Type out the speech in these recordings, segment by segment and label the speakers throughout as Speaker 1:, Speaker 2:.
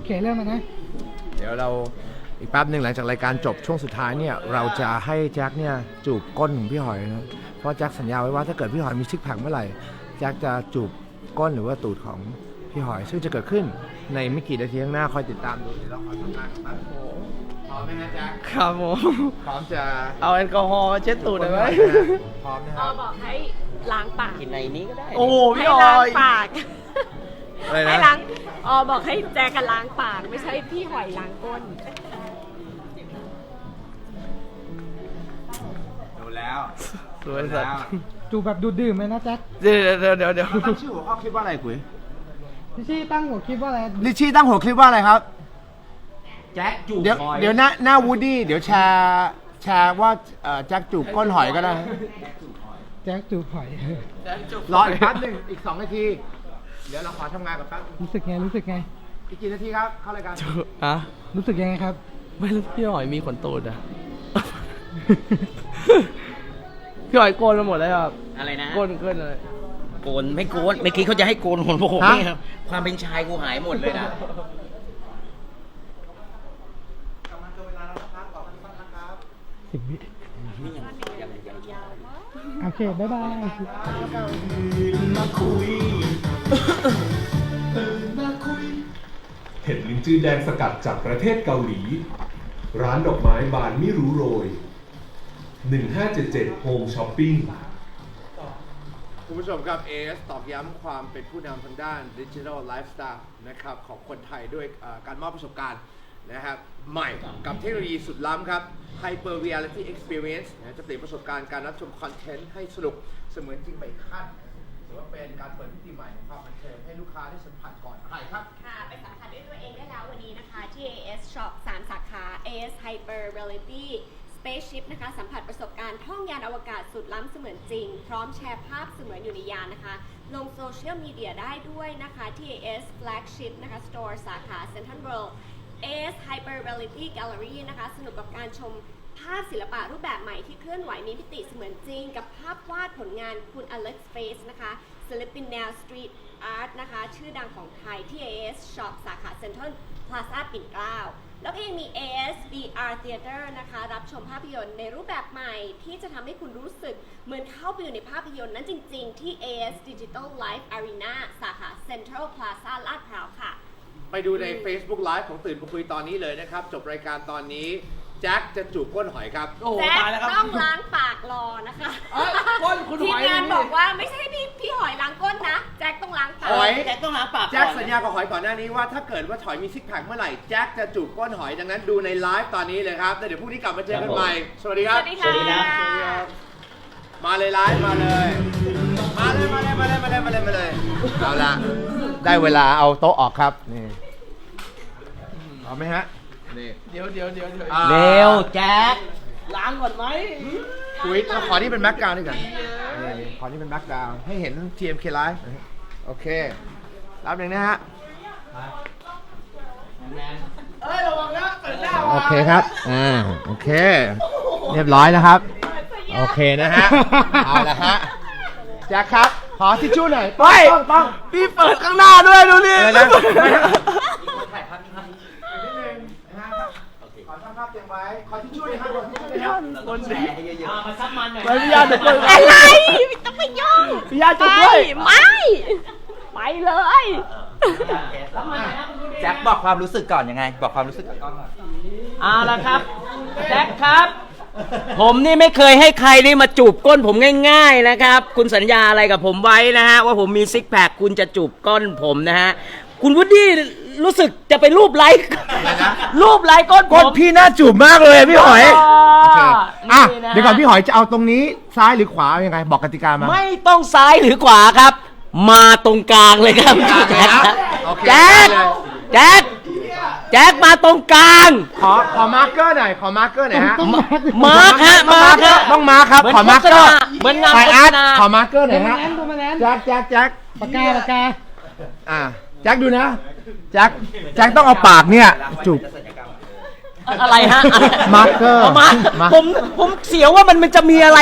Speaker 1: เคเริ่มมานะ
Speaker 2: เดี๋ยวเราอีกแป๊บหนึ่งหลังจากรายการจบช่วงสุดท้ายเนี่ยเราจะให้แจ็คเนี่ยจูบก้นของพี่หอยนะเพราะแจ็คสัญญาไว้ว่าถ้าเกิดพี่หอยมีซิกแพคเมื่อไหร่แจ็คจะจูบก้นหรือว่าตูดของพี่หอยซึ่งจะเกิดขึ้นในไม่กี่นาทีข้างหน้าคอยติดตามดูเดี๋ยวเราคอยทำงานกันบ้างพร้อมไหมฮะแจ็ค
Speaker 3: ครับผม
Speaker 2: พร้อมจะ
Speaker 3: เอาแอลกอฮอล์เช็ดตูดได้ไหม
Speaker 2: พร้อมนะครับ
Speaker 4: บอกให้ล้างปาก
Speaker 3: กินในนี้ก็ได้โอ้พี่ออย
Speaker 4: ปาก
Speaker 2: อะไรนะ
Speaker 4: ให้ล้างบอกให้แจกันล้างปากไม่ใช่พี่หอยล้างก้น
Speaker 2: ดูแล้ว
Speaker 3: สวยสัตว์
Speaker 1: จูบแบบดูดื่มเลยนะแจ็ค
Speaker 3: เดี๋ยว
Speaker 2: ตั้งชื่อหัวข้อคลิปว่าอะไรกุ๋ย
Speaker 1: ลิชชี่ตั้งหัวคลิปว่าอะไร
Speaker 2: ลิชชี่ตั้งหัวคลิปว่าอะไรครับ
Speaker 3: แจ็คจูบ
Speaker 2: เดี๋ยวหน้าวูดดี้เดี๋ยวแชร์ว่าแจ็คจูบก้นหอยก็ได้
Speaker 1: แจ็คจูบหอย
Speaker 2: รออีกแป๊บหนึ่งอีก2 นาทีเดี๋ยวเราขอทำงานกับแป๊บ
Speaker 1: รู้สึกไง
Speaker 2: อีกกี่นาทีครับเข้ารายการ
Speaker 3: อะ
Speaker 1: รู้สึกยังไงครับ
Speaker 3: ไม่รู้พี่หอยมีขนตูดอะพี่หอยโกนมาหมดแล้วครับ
Speaker 5: อะไรนะ
Speaker 3: โกนเลย
Speaker 5: โกนไม่โกนเมื่อกี้เขาจะให้โกนหัวผมนี่ครับความเป็นชายกูหายหมดเลยนะ
Speaker 1: 10 วิโอเคบ๊ายบาย
Speaker 6: เห็ดลิ้นจือแดงสกัดจากประเทศเกาหลีร้านดอกไม้บานไม่รู้โรย1577 Home Shopping
Speaker 2: คุณผู้ชมครับ AS ตอกย้ำความเป็นผู้นำทางด้าน Digital Lifestyle นะครับของคนไทยด้วยการมอบประสบการณ์นะครับใหม่กับเทคโนโลยีสุดล้ำครับ Hyper Reality Experience จะเปลี่ยนประสบการณ์การรับชมคอนเทนต์ให้สนุกเสมือนจริงไปอีกขั้นถือว่าเป็นการเปิดมิติใหม่ของความบันเทิงให้ลูกค้าได้สัมผัสก่อนใครครับ
Speaker 4: ค่ะไปสัมผัสด้วยตัวเองได้แล้ววันนี้นะคะที่ AS Shop 3 สาขา AS Hyper Reality Spaceship นะคะสัมผัสประสบการณ์ท่องยานอวกาศสุดล้ำเสมือนจริงพร้อมแชร์ภาพเสมือนอยู่ในยานนะคะลงโซเชียลมีเดียได้ด้วยนะคะที่ AS Flagship นะคะ Store สาขา Central World AS Hyper Reality Gallery นะคะสนุกกับการชมภาพศิลปะรูปแบบใหม่ที่เคลื่อนไหวมีมิติเสมือนจริงกับภาพวาดผลงานคุณ Alex Face นะคะศิลปินแนวสตรีทอาร์ตนะคะชื่อดังของไทยที่ AS Shop สาขา Central Plaza ปิ่นเกล้าแล้วก็ยังมี AS VR Theater นะคะรับชมภาพยนตร์ในรูปแบบใหม่ที่จะทำให้คุณรู้สึกเหมือนเข้าไปอยู่ในภาพยนตร์นั้นจริงๆที่ AS Digital Live Arena สาขา Central Plaza ลาดพร้าวค่ะ
Speaker 2: ไปดูใน Facebook Live ของตื่นมาคุยตอนนี้เลยนะครับจบรายการตอนนี้แจ็คจะจูบก้นหอยครับ
Speaker 4: แจ็คต้องล้างปากรอนะคะ
Speaker 3: ก้นคุณหอย
Speaker 4: ทีมงานบอกว่าไม่ใช่พี่หอยล้างก้นนะแจ็คต้องล้างปาก
Speaker 5: แจ็คต้องล้างปาก
Speaker 2: แจ็คสัญญากับหอยก่อนหน้านี้ว่าถ้าเกิดว่าหอยมีซิกแพคเมื่อไหร่แจ็คจะจูบก้นหอยดังนั้นดูในไลฟ์ตอนนี้เลยครับแล้วเดี๋ยวพรุ่งนี้กลับมาเจอกันใหม่สวัสดีครับ
Speaker 4: สวัสดีค่ะ
Speaker 2: มาเลยไลฟ์มาเลยเอาละได้เวลาเอาโต๊ะออกครับนี่เอาไหมฮะนี่
Speaker 3: เดี๋ยว
Speaker 5: เร็วแจ็ค
Speaker 3: ล้างก่อนไหม
Speaker 2: คุยขอที่เป็นแบ็คกราวด์ด้วยกันนี่ขอที่เป็นแบ็คกราวด์ให้เห็น TMK Live โอเครับหนึ่งนะฮะ
Speaker 3: ระวังนะเปิดหน้า
Speaker 2: โอเคครับโอเคเรียบร้อยนะครับโอเคนะฮะเอาละฮะแจ็คครับขอทิชชู่หน่อยต้อง
Speaker 3: พี่เปิดข้างหน้าด้วยดูนี่
Speaker 2: นะขอทำภาพเตรียมไว้ขอทิชชู่เลยครับ
Speaker 3: คนแชร์เยอะ
Speaker 5: ๆมาซับมันหน่อย
Speaker 3: พี่ญาติด้วย
Speaker 4: อะไรต้องไปย่อง
Speaker 3: พี่ญาติด้วย
Speaker 4: ไม่ไปเลย
Speaker 5: แจ็คบอกความรู้สึกก่อนยังไงบอกความรู้สึกกับกล้องก่อน
Speaker 3: เอาละครับ
Speaker 5: แจ็คครับผมนี่ไม่เคยให้ใครนี่มาจูบก้นผมง่ายๆนะครับคุณสัญญาอะไรกับผมไว้นะฮะว่าผมมีซิกแพคคุณจะจูบก้นผมนะฮะคุณวูดดี้รู้สึกจะไปรูปไลค์ก้น
Speaker 2: พี่น่าจูบมากเลยพี่หอยโอเคเดี๋ยวก่อนพี่หอยจะเอาตรงนี้ซ้ายหรือขวายังไงบอกกติกามา
Speaker 5: ไม่ต้องซ้ายหรือขวาครับมาตรงกลางเลยครับแจ็คมาตรงกลาง
Speaker 2: ขอมาร์กเกอร์หน่อยฮะ
Speaker 5: มาร์ค
Speaker 2: ต้องมาร์คครับขอมาร์กเกอร์
Speaker 5: เหมือนงานโฆษณา
Speaker 2: ขอมาร์กเกอร์หน่อยฮะแจ็ค
Speaker 1: ปากกา
Speaker 2: แจ็คดูนะแจ็คต้องเอาปากเนี่ยจูบ
Speaker 5: อะไรฮะ
Speaker 2: มาร์กเกอร์
Speaker 5: ผมเสียวว่ามันจะมีอะไร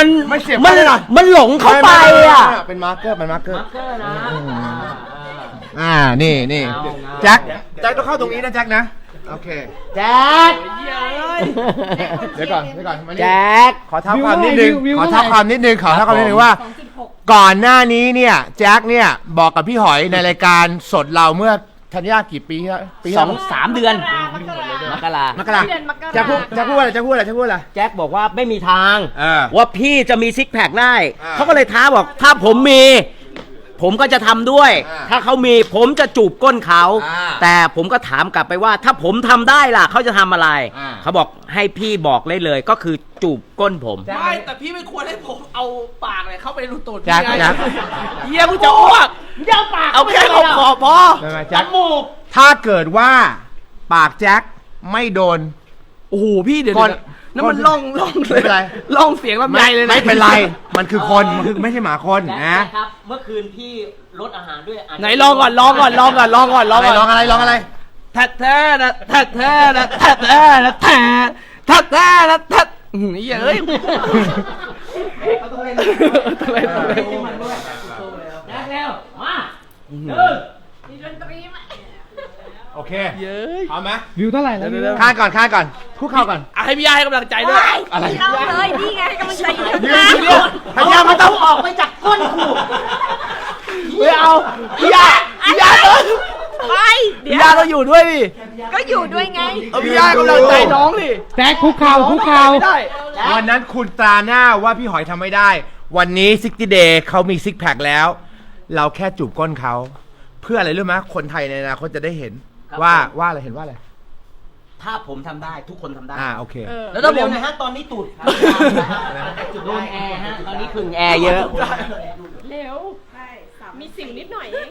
Speaker 5: มันหลงเข้าไปอ่ะ
Speaker 2: เป็นมาร์กเกอร์
Speaker 5: นะ
Speaker 2: นี่แจ็คต้องเข้าตรงนี้นะแจ็คนะโอเค
Speaker 5: แจ็ค
Speaker 2: เดี๋ยวก่อนมานี่
Speaker 5: แจ็ค
Speaker 2: ขอท้าความนิดนึง
Speaker 1: วิว
Speaker 2: ขอ
Speaker 1: เท่า
Speaker 2: ท้า
Speaker 1: ไหร่
Speaker 2: ความนิดนึงว่า ก่อนหน้านี้เนี่ยแจ็คเนี่ยบอกกับพี่หอยในรายการสดเราเมื่อธัญญากี่ปีแล้วปี
Speaker 5: 2-3 เดือนมกราม
Speaker 2: กราแจ็คพูดอะไร
Speaker 5: แจ็คบอกว่าไม่มีทาง
Speaker 2: เออ
Speaker 5: ว่าพี่จะมีซิกแพคได้
Speaker 2: อ่า
Speaker 5: เขาก็เลยท้าบอกถ้าผมมี ผมก็จะทำด้วย
Speaker 2: อ่า
Speaker 5: ถ้าเขามีผมจะจูบก้นเขา
Speaker 2: อ่า
Speaker 5: แต่ผมก็ถามกลับไปว่า ถ้าผมทำได้ล่ะเขาจะทำอะไร
Speaker 2: อ่า
Speaker 5: เขาบอกให้พี่บอกเลยก็คือจูบก้นผม
Speaker 3: ไม่แต่พี่ไม่ควรให้ผมเอาปากเลยเข้าไปรูตูด
Speaker 2: แจ็ค
Speaker 3: พี่ไง
Speaker 2: แจ็ค
Speaker 3: เฮียกูจะอ้วก
Speaker 5: เดี๋ยวปาก
Speaker 3: เอาแค่ขอบพอ
Speaker 2: ไม่
Speaker 5: จ
Speaker 2: แจ็ค
Speaker 5: มูก
Speaker 2: ถ้าเกิดว่าปากแจ็คไม่โดน
Speaker 3: โอ้โหพี่เดี๋ยว
Speaker 2: ก่อน
Speaker 3: นั่นมันล่อง
Speaker 2: ไม่เป็นไร
Speaker 3: ล่องเสียงลำไยเลยนะ
Speaker 2: ไม่เป็นไร มันคือคน มันคือไม่ใช่หมาคน
Speaker 5: แจ็ค
Speaker 2: นะ
Speaker 5: ครับ เมื่อคืนพี่ลดอาหารด้วยาจจะ
Speaker 3: ไหนลองก่อนลองก่อน
Speaker 2: อะไรลองอะไร
Speaker 3: แท้แท้นะแท้แท้นะแท้แท้นะแท้แท้แท้นะแท้เฮียเอ้ยต้องเล่น
Speaker 5: แจ็คเร็วมา
Speaker 4: มีดนตรีไหม
Speaker 2: โอเค
Speaker 3: เย้ย
Speaker 2: พร้อมไหม
Speaker 1: วิวเท่าไหร่แล้ววิว
Speaker 2: ข้างก่อนคุกเข่าก่อน
Speaker 3: ให้พี่ยาให้กำลังใจด้วย
Speaker 2: อะไร
Speaker 4: เราเลยนี่ไงกำลังใจอยู่
Speaker 2: ยื
Speaker 4: ข้าง
Speaker 2: นเดียวพยายามไม่ต้อง
Speaker 5: ออกไปจากก้นกู
Speaker 3: ไม่เอาพี่ยา
Speaker 4: ไปเดี๋
Speaker 3: พี่
Speaker 4: ย
Speaker 3: ยาว ต้องอยู่ด้วยดิ
Speaker 4: ก็อยู่ด้วยไง
Speaker 3: เอาพี่ยาให้กำลังใจน้องดิ
Speaker 1: แจ็คคุกเข่า
Speaker 3: ไม่ได้
Speaker 2: วันนั้นคุณตราหน้าว่าพี่หอยทำไม่ได้ วันนี้60 Day เขามีซิกแพคแล้ว เราแค่จูบก้นเขา เพื่ออะไรรู้ไหมคนไทยในอนาคตจะได้เห็นว่าอะไรเห็นว่าอะไร
Speaker 5: ถ้าผมทำได้ทุกคนทำได้
Speaker 2: โอเค
Speaker 3: แล้วถ้าผ
Speaker 5: เร็ว
Speaker 3: ม
Speaker 5: ๆนะฮะตอนนี้ตูดโดนแอร์ฮะตอนนี้ขึงแอร์เยอะ
Speaker 4: เร็วมีสิวนิดหน่อยเอง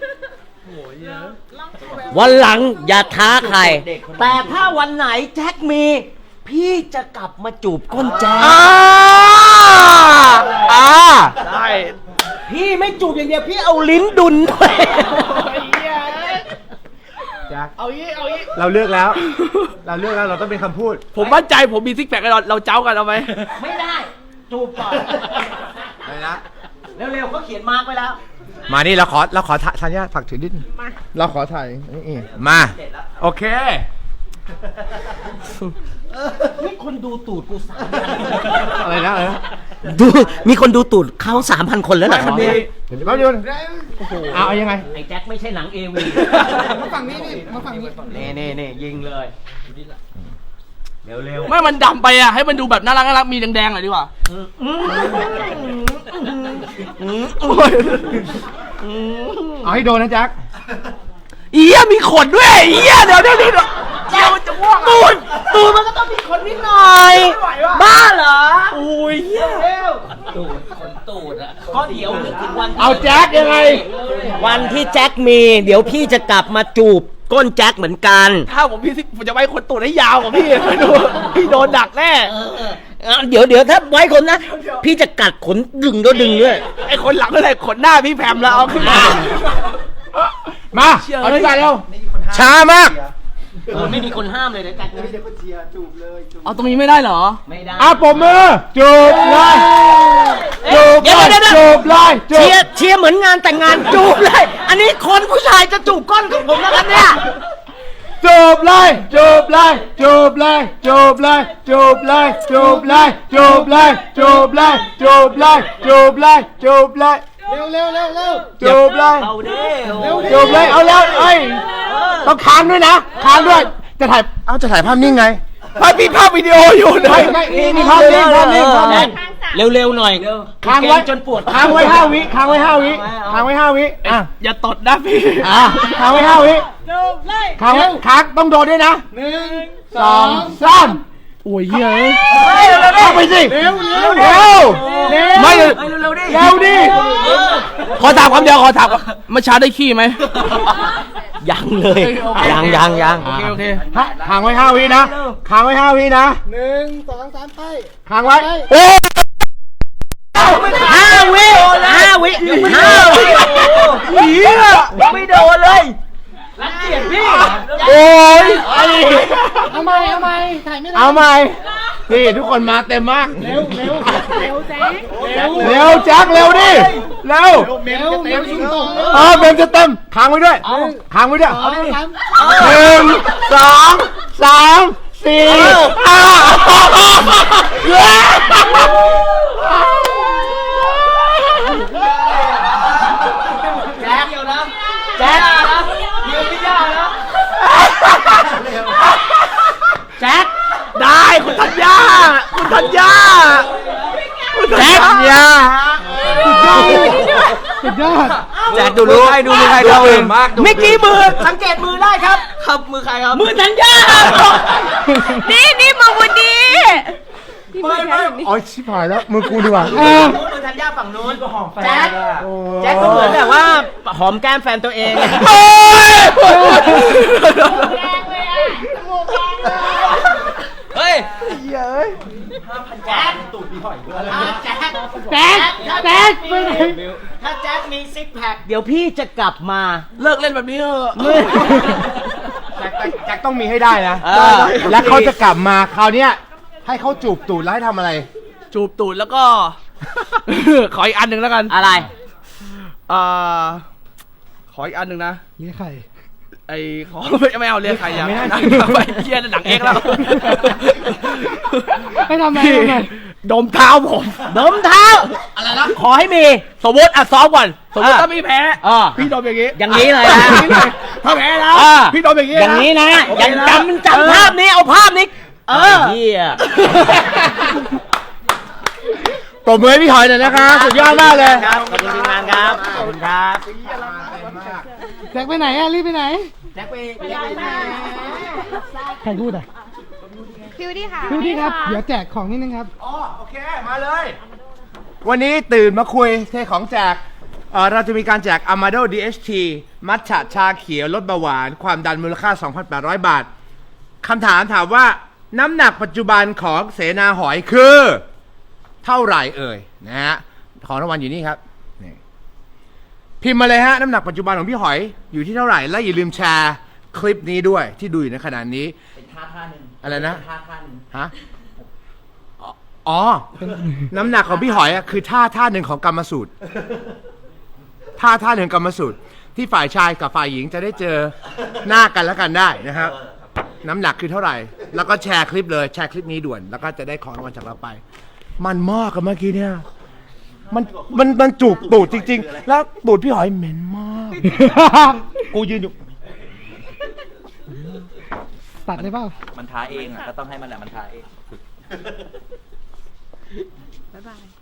Speaker 5: วันหลังอย่าท้าใคร แต่ถ้าวันไหนแจ็คมี พี่จะกลับมาจูบก้นแจ็ค
Speaker 3: ได้
Speaker 5: พี่ไม่จูบอย่างเดียวพี่เอาลิ้นดุนด้วย
Speaker 2: แจ็ค
Speaker 3: เอางี้
Speaker 2: เราเลือกแล้ว เราต้องเป็นคำพูด
Speaker 3: ผมมั่นใจผมมีซิกแพคเราเจ้ากันเอาไหม
Speaker 5: ไม่ได้ จูบก่อน
Speaker 2: อะไรนะ
Speaker 5: เร็วๆเขาเขียนมาร์กไว้แล้ว
Speaker 2: มานี่เราขอทัญญาฝากถือนิดนึงเราขอถ่ายนี่มาโอเค
Speaker 5: นี่คนดูตูดกู3,000
Speaker 2: อะไรนะ
Speaker 5: ดูมีคนดูตูดเขา 3,000 คนแล้วเหรอครับ
Speaker 2: เดี๋ยวแป๊บเดียวเอายังไง
Speaker 5: ไอ้แจ็คไม่ใช่หนังเอวี
Speaker 1: มาฝั่งนี้นี่มาฝั่งนี้
Speaker 5: นี่ยิงเลยเร็ว
Speaker 3: ไม่มันดำไปอ่ะให้มันดูแบบน่ารักมีแดงๆหน่อยดีกว่า
Speaker 2: เอาให้โดนนะแจ็ค
Speaker 3: เอี้ยมีขนด้วยเอี้ยเดี๋ยวจะม่วงตูดมันก็ต้องมีขนนิดหน่อย
Speaker 5: บ้าเหรอ
Speaker 3: โอ้ยเหี้ย
Speaker 5: ตูดขนตูดอ่ะก็เดี๋ยวนึกถึงวัน
Speaker 2: เอาแจ็คยังไง
Speaker 5: วันที่แจ็คมี เดี๋ยวพี่จะกลับมาจูบก้นแจ็คเหมือนกัน
Speaker 3: ถ้าผมจะไว้ขนตูดให้ยาวกว่าพี่พี่โดนดักแน่
Speaker 5: เดี๋ยวถ้าไว้คนนะ พี่จะกัดขนดึงด้วย
Speaker 3: ไอ้คนหลังเท่าไหร่ขนหน้าพี่แพมแล้วเอาขึ้นมา
Speaker 2: มาเอาที่กันเร็วช้ามาก
Speaker 5: ไม่มีคนห้ามเลยนะแจ็ค
Speaker 3: เอาตรงนี้ไม่ได้เหรอ
Speaker 5: ไม่ได้
Speaker 2: ปมมือจูบเลยจูบเลยจูบเลยจูบ
Speaker 5: เชียร์เหมือนงานแต่งงานจูบเลย อันนี้คนผู้ชายจะจูบก้นของผมแล้วกันเนี่ย
Speaker 2: จูบเลยจูบเลยจูบเลยจูบเลยจูบเลยจูบเลยจูบเลยจูบเลยจูบเลยจูบเลยจูบเลยจูบเลย
Speaker 5: เอาดิ
Speaker 2: จูบเลยเอาแล้วเอ้ยต้องค้างด้วยนะค้างด้วยจะถ่ายภาพนิ่งไง
Speaker 3: พี่ภาพวิดีโออยู่นะ
Speaker 2: ไม่นี่ภาพนิ่ง
Speaker 5: เร็วๆหน่อย
Speaker 2: ค้างไว้
Speaker 5: จนปวด
Speaker 2: ค้างไว้5 วิค้างไว้5 วิค้างไว้5 วิ
Speaker 3: อย่าตดนะพี่
Speaker 2: ค้างไว้5 วิค้างต้องโดนด้วยนะ1 2 3
Speaker 3: โอ้ยเหี้ย
Speaker 2: เข้าไปสิเร็วไม่เร็วดิ
Speaker 3: ขอถามคำเดียวขอถามเมื่อเช้าได้ขี้ไหม
Speaker 5: ยังเลย ยัง
Speaker 3: โอเค
Speaker 2: ค้างไว้5 วินะค้างไว้5 วินะ1 2 3ไปค้างไว้โอ้
Speaker 5: 5 วิไม่โดนเลยรังเกียจพี่
Speaker 2: โอ้ย
Speaker 1: เอาใหม่ถ่ายไม่ได้
Speaker 2: เอาใหม่นี่ทุกคนมาเต็มมากเร็วแจ็คเร็วดิเร็ว
Speaker 1: เมลชุ่มต่อ
Speaker 2: เมมจะเต็มค้างไว้ด้วยค้างไว้ด้วย
Speaker 1: เอาดิ
Speaker 2: 1 2 3 4
Speaker 5: แจ็คเดียวนะแจ็คนะยืนไม่ยากนะแจ็ค
Speaker 2: ได้คุณธัญญาคุณธัญญาคุณธัญญา
Speaker 1: สุดยอด
Speaker 3: แจ็คดูมือใครดูมือใครเราเองมาก
Speaker 5: เมื่อกี้มือสังเกตมือได้ครับ
Speaker 3: ครับมือใครครับ
Speaker 5: มือธัญญานี่มือวันนี้
Speaker 2: อ๋อชิบหายแล้วมือกูดีกว่า
Speaker 5: มือธัญญาฝั่งนู้นก็หอมแฟนแจ็คก็เหมือนแบบว่าหอมแก้มแฟนตัวเอง
Speaker 3: เฮ้ย
Speaker 5: แจ็คตูดพี่หอยแจ็ค
Speaker 1: แจ็คแจ็คไปไหน
Speaker 5: ถ้าแจ็คมีซิกแพคเดี๋ยวพี่จะกลับมา
Speaker 3: เลิกเล่นแบบนี้เถอะ
Speaker 2: แจ็คต้องมีให้ได้นะ
Speaker 3: เออ
Speaker 2: แล้วเขาจะกลับมาคราวเนี้ยให้เขาจูบตูดแล้วให้ทำอะไร
Speaker 3: จูบตูดแล้วก็ ขออีกอันหนึ่งแล้วกัน
Speaker 5: อะไร
Speaker 3: ขออีกอันหนึ่งนะ
Speaker 1: นี่ใคร
Speaker 3: ไอ้ขอไม่เอาเรียกใครอย่าง
Speaker 2: ไม่ได้
Speaker 3: นั่งไปเพี้ยนหนังเอกแล้ว
Speaker 1: ให้ทำไม
Speaker 3: พี่
Speaker 1: ทำไม
Speaker 3: ดมเท้าผม
Speaker 5: ดมเท้า อะไรนะ ขอให้มี
Speaker 3: สมมติซ้อมก่อนสมมติ
Speaker 5: อ่ะ
Speaker 3: ถ้ามีแพ้
Speaker 5: อ่ะ
Speaker 3: พี่ดมอย่างนี้
Speaker 5: อย่างนี้เลยนะ
Speaker 3: ถ้าแพ้แล้ว
Speaker 5: อ่ะ
Speaker 3: พี่ดมอย่างนี้
Speaker 5: อย่างนี้นะ
Speaker 3: โอเค
Speaker 5: อย่าง
Speaker 3: นะ
Speaker 5: จำภาพนี้ เอาภาพนี้ เฮีย
Speaker 2: ปรบมือให้พี่หอยหน่อยนะคะสุดยอดมากเลย
Speaker 5: ครับ ขอบคุณทีมงานครับ ขอบคุณครับ
Speaker 1: แจ็คไปไหนอะรีบไปไหน
Speaker 5: แจ็คไป
Speaker 1: ใครพูดอ่ะ
Speaker 4: ฟิวดี้ค่ะ
Speaker 1: พี่ครับ เดี๋ยวแจกของนิดนึงครับ
Speaker 2: อ๋อโอเคมาเลย วันนี้ตื่นมาคุยเทของแจกเราจะมีการแจก Amado DHT มัทฉะชาเขียวลดเบาหวาน ความดันมูลค่า 2,800 บาทคำถามว่าน้ำหนักปัจจุบันของเสนาหอยคือเท่าไหร่เอ่ยนะฮะของรางวัลอยู่นี่ครับนี่พิมพ์มาเลยฮะน้ำหนักปัจจุบันของพี่หอยอยู่ที่เท่าไหร่และอย่าลืมแชร์คลิปนี้ด้วยที่ดูอยู่ในขณะนี้
Speaker 5: เป็นท่าหนึ่ง
Speaker 2: อะไรนะ
Speaker 5: ท่าหนึ่ง
Speaker 2: ฮะ อ๋อ น้ำหนักของพี่หอยอะคือท่าหนึ่งของกรรมสูตร ท่าหนึ่งกรรมสูตร ที่ฝ่ายชายกับฝ่ายหญิงจะได้เจอหน้ากันแล้วกันได้นะครับ น้ำหนักคือเท่าไหร่ แล้วก็แชร์คลิปเลย แชร์คลิปนี้ด่วน แล้วก็จะได้ของรางวัลจากเราไป มันมากกับเมื่อกี้เนี่ย มันจูบตูดจริง ๆ แล้วตูดพี่หอยเหม็นมาก กูยืนอยู่
Speaker 1: ตัดได้เปล่า
Speaker 7: มันท้าเองอ่ะ ก็ต้องให้มันแหละมันท้าเอง
Speaker 4: บ๊ายบาย